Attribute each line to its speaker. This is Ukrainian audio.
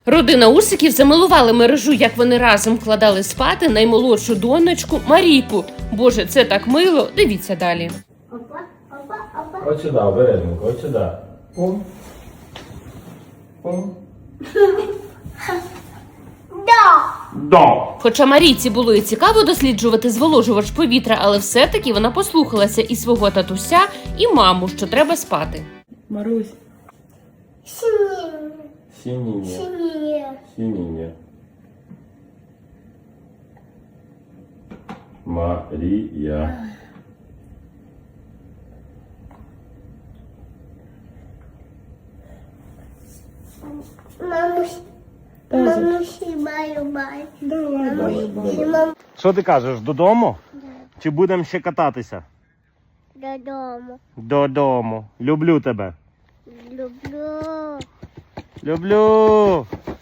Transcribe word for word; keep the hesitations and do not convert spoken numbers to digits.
Speaker 1: Родина Усиків замилували мережу, як вони разом вкладали спати наймолодшу донечку Марійку. Боже, це так мило. Дивіться далі.
Speaker 2: Опа, опа, опа.
Speaker 3: От сюди, обережненько, от сюди. Пум. Пум.
Speaker 2: Да.
Speaker 3: Да.
Speaker 1: Хоча Марійці було і цікаво досліджувати зволожувач повітря, але все-таки вона послухалася і свого татуся, і маму, що треба спати.
Speaker 4: Марусь.
Speaker 2: Синие.
Speaker 3: Синіння.
Speaker 2: Синие.
Speaker 3: Синіння. Марія.
Speaker 2: Мамусь. Мамусь, баю-бай.
Speaker 4: Давай, давай, давай.
Speaker 2: Мам,
Speaker 3: Що ти кажеш, додому? Чи будемо ще кататися?
Speaker 2: додому.
Speaker 3: Додому. Люблю тебе.
Speaker 2: Люблю.
Speaker 3: Люблю.